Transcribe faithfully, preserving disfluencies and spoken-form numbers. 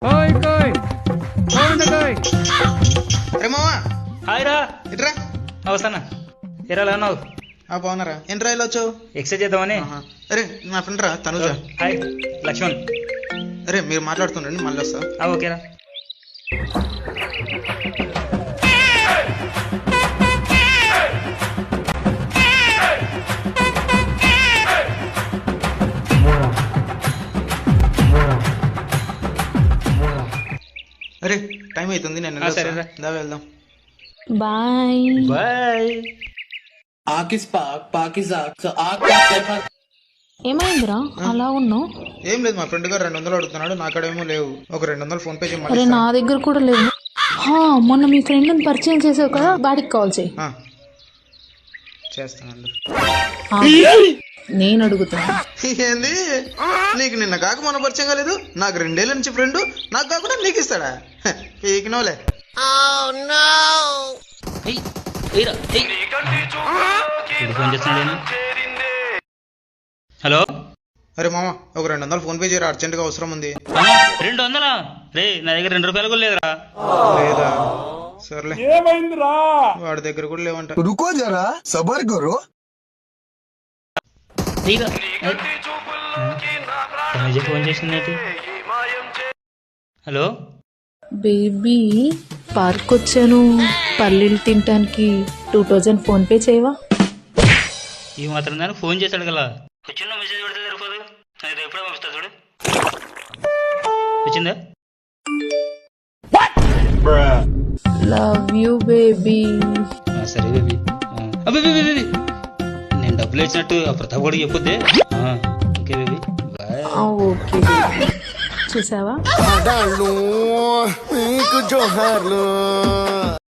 ఓయ్ కోయ్ ఓయ్ కోయ్ అరే మావా హాయ్ రా. ఇట్రా. అవసరం ఎరా అన్నావు? ఆ బాగున్నారా? ఎన్ని రాయలు వచ్చావు? ఎక్సైజ్ చేద్దామని. అరే నా ఫ్రెండ్ రా తనుజ. హాయ్ లక్ష్మణ్. అరే మీరు మాట్లాడుతుండండి, మళ్ళీ వస్తా. ఆ, ఓకేరా. అరే టైం అవుతుంది, నేను ఆ, సరేరా. దా వెళ్దాం. Bye bye. Akis Park, Park is Ark. So Ark Park, that was ఏమైందిరా అలా ఉన్నావు? ఏం లేదు, మా ఫ్రెండ్ గారు రెండు వందలు అడుగుతున్నాడు, నాకాడేమో లేవు. ఒక రెండు వందలు ఫోన్ పే అరే చేయమని. నా దగ్గర కూడా లేవు. హా, మొన్న మీ ఫ్రెండ్ పరిచయం చేసావు కదా, వాడికి కాల్ చేయి. చేస్తానండి. ఆ, నేను అడుగుతున్నా. ఏంది నీకు నిన్న కాక మన పరిచయం కాలేదు? నాకు రెండేళ్ళ నుంచి ఫ్రెండ్, నాకు కాకుండా నీకు ఇస్తాడా? పీకినోలే. ఏయ్, ఏయ్రా, ఏయ్. వీడు ఫోన్ చేస్తున్నాడేనా? హలో. అరే మామ ఒక రెండు వందలు ఫోన్ పే చేయరా, అర్జెంట్ గా అవసరం ఉంది. ఆ, రెండు వందలా? రే నా దగ్గర రెండు రూపాయలు కూడా లేదురా. లేదా సర్లే, వాడి దగ్గర కూడా లేవంట. रुको जरा सबर करो. ఏయ్రా. తనుజ ఫోన్ చేసింది. హలో. బేబీ పార్క్ వచ్చాను, పల్లీలు తినటానికి టూ థౌజండ్ ఫోన్ పే చేయవా? ఈ మాత్రం దానికి ఫోన్ చేశాడు కదా. వచ్చిన మెసేజ్ పెడితే సరిపోదు. నేను ఎప్పుడే పంపిస్తా చూడు. వచ్చిందా? Love you baby. ఆ, సరే బేబీ. అబ్బే బేబీ బేబీ నేను డబ్బులు ఇచ్చినట్టు ఆ ప్రతాప్ కూడా చెప్పొద్దే. ఆ, okay baby bye. Okay baby. చూసావా? మీకు జోహార్లు.